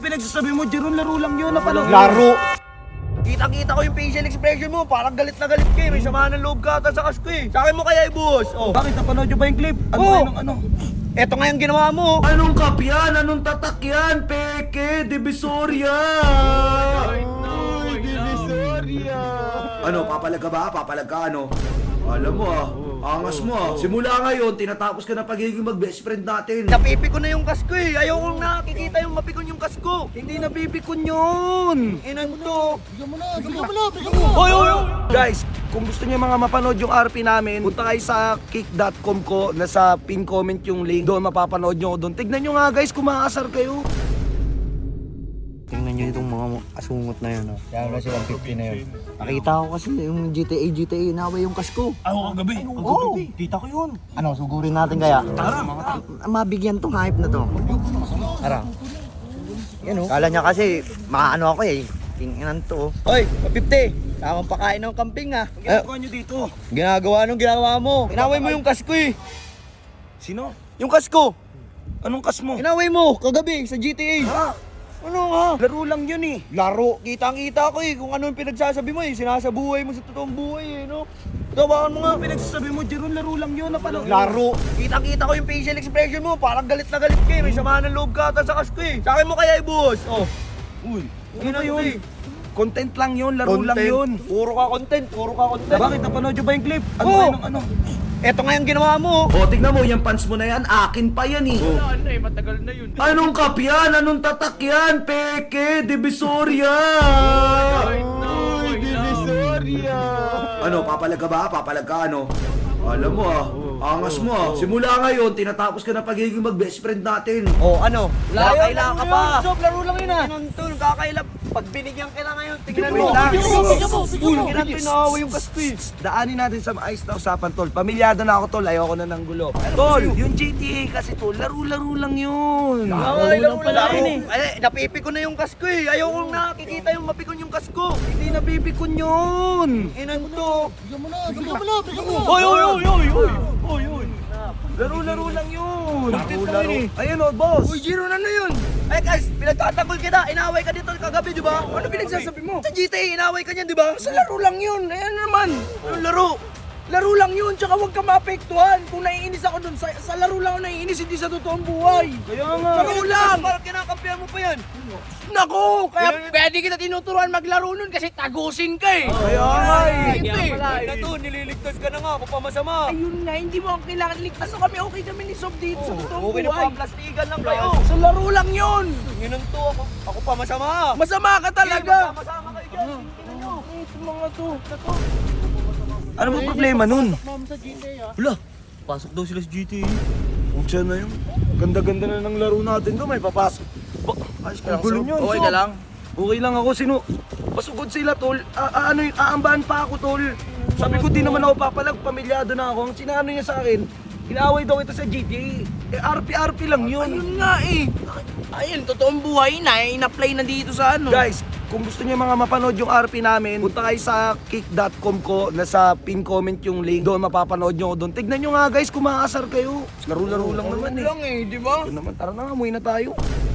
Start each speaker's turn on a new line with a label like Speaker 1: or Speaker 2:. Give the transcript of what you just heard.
Speaker 1: pinagsasabi mo, Jeron? Laro lang yun. Napanood.
Speaker 2: Laro!
Speaker 3: Kita-kita ko yung facial expression mo, parang galit na galit ka eh. May samahan ng loob ka ata sa kasko eh. Sa akin mo kaya ibuhos. Oh.
Speaker 1: Bakit? Napanood nyo ba yung clip? Ano kayo ng ano?
Speaker 3: Eto nga yung ginawa mo.
Speaker 2: Anong kapyan? Anong tatak yan? Peke! Divisoria! Divisoria! Ano, papalag ka ba? Papalag ka, ano? Alam mo angas mo Simula ngayon, tinatapos ka na pagiging mag-best friend natin.
Speaker 3: Napipikon na yung kasko eh. Ayaw kong nakikita yung mapikon yung kasko.
Speaker 1: Hindi napipikon yun.
Speaker 3: Inan to.
Speaker 1: Bigyan mo. Hoy! Guys, kung gusto niyo mga mapanood yung RP namin, punta kayo sa kick.com ko, nasa pin comment yung link. Doon mapapanood nyo doon. Tignan nyo nga guys, kung makakasar kayo.
Speaker 4: Tingnan nyo itong mga asungot na yun. Kaya na si 150 na yun. Nakita ko kasi yung GTA, inaway yung kasko.
Speaker 1: Ako kagabi.
Speaker 4: Oo,
Speaker 1: Kita ko yun.
Speaker 4: ano, sugurin natin kaya?
Speaker 1: Tara.
Speaker 4: Mabigyan tong hype na to. Tara. Yan o. Kala niya kasi, makaano ako eh. Tinginan to.
Speaker 3: Hoy, 50. Tamang pakain ng camping ah.
Speaker 1: Ang ginagawa nyo dito.
Speaker 3: Ginagawa nung ginawa mo. Inaway mo yung kasko eh.
Speaker 1: Sino?
Speaker 3: Yung kasko.
Speaker 1: Anong kas mo?
Speaker 3: Inaway mo kagabi sa GTA.
Speaker 1: Ha?
Speaker 3: Ano ha?
Speaker 1: Laro lang yun eh.
Speaker 3: Laro. Kitang-kita ko eh kung ano yung pinagsasabi mo eh. Sinasabuhay mo sa totoong buhay eh, no? Tawakan mo nga.
Speaker 1: Pinagsasabi mo, Jeron, laro lang yun. Napanood.
Speaker 3: Laro. Kitang-kita ko yung facial expression mo. Parang galit na galit ka eh. May samahan ng loob ka ata sa kasko eh. Sa akin mo kaya ibuhos. Oh.
Speaker 1: Uy, ano
Speaker 3: Yun
Speaker 1: ba
Speaker 3: ang
Speaker 1: yun?
Speaker 3: eh.
Speaker 1: Content lang yun, laro lang yun.
Speaker 3: Puro ka content. Puro ka content.
Speaker 1: Bakit? Napanood nyo ba yung clip? Ano
Speaker 3: Oo.
Speaker 1: kayo ng ano?
Speaker 3: Eto nga yung ginawa mo.
Speaker 2: O, tignan mo, yung pants mo na yan, akin pa yan eh.
Speaker 3: Matagal na yun.
Speaker 2: Anong kapyan? Anong tatak yan? Peke! Divisoria! Divisoria! Ano, papalag ka ba? Papalag ka, ano? Alam mo angas mo Simula ngayon, tinatapos ka na pagiging mag-best friend natin.
Speaker 3: Oh, ano? Kakaila ka pa.
Speaker 1: Sob, laro lang yun ah.
Speaker 3: Tinuntul, kakaila. Pag binigyan ka na ngayon, tingnan mo.
Speaker 1: Bigyan mo.
Speaker 3: Tingnan pinaway yung kaspi.
Speaker 1: Daanin natin sa maayos na usapan, tol. Pamilyado na ako, tol. Ayoko na ng gulo. Tol, yung GTA kasi, tol, laro-laro lang yun.
Speaker 3: Laro pala yun eh. Ay, napipikon na yung kasko eh. Ayaw kong nakikita yung mapikon yung kasko.
Speaker 1: Hindi napipikon yun.
Speaker 3: Inan to.
Speaker 1: Hoy. Laro-laro lang yun. Laro. Ayun o, boss.
Speaker 3: Uy, Jiro, ano yun? Ay guys, pinagtatanggol kita. Inaway ka dito kagabi, di ba? Ano pinagsasabi mo? Sa GTA, inaway ka niyan, di ba?
Speaker 1: Sa laro lang yun. Ayan naman.
Speaker 3: Anong laro?
Speaker 1: Laro lang yun, tsaka huwag ka maapektuhan. Kung naiinis ako dun, sa laro lang ako naiinis, hindi sa totoong buhay.
Speaker 3: Kaya nga.
Speaker 1: Laro lang.
Speaker 3: Parang kinakampihan mo pa yan.
Speaker 1: Nako, kaya
Speaker 5: Pwede kita tinuturuan maglaro nun kasi tagusin ka eh.
Speaker 1: kaya nga eh.
Speaker 3: Ay, na to, nililigtas ka na nga. Papamasama.
Speaker 5: Ayun nga, hindi mo ako kailangan ligtas. Ano kami, okay kami ni Sob dito sa totoong
Speaker 3: Okay na
Speaker 5: buhay.
Speaker 3: pa, plastikan lang kayo.
Speaker 1: Sa laro lang yun.
Speaker 3: Yun ang to, ako pa masama.
Speaker 1: Masama ka talaga.
Speaker 3: Masama kayo dyan. Tingnan nyo.
Speaker 5: Mga to.
Speaker 1: Ano ba problema nun?
Speaker 3: Wala, pasok daw sila sa GTA.
Speaker 1: Huwag siya na yun. Ganda-ganda na ng laro natin doon, may papasok. Ayos ka lang, Sob.
Speaker 3: Okay ka lang?
Speaker 1: Okay lang ako, pasugod sila, tol. Ano yun, aambahan pa ako, tol. Sabi ko, di naman ako papalag, pamilyado na ako. Ang sinano niya sa akin, inaaway daw ito sa GTA. RP-RP lang yun.
Speaker 5: Ayun nga eh. Ayun, totoong buhay na eh. In-apply na dito sa ano.
Speaker 1: Guys, kung gusto niyo mga mapanood yung RP namin, punta kayo sa kick.com ko, nasa pin comment yung link. Doon mapapanood nyo doon. Tignan nyo nga guys, kung makakasar kayo. Laro-laro lang naman eh.
Speaker 5: Lang eh, di ba?
Speaker 1: Yun naman, tara na nga, umuwi na tayo.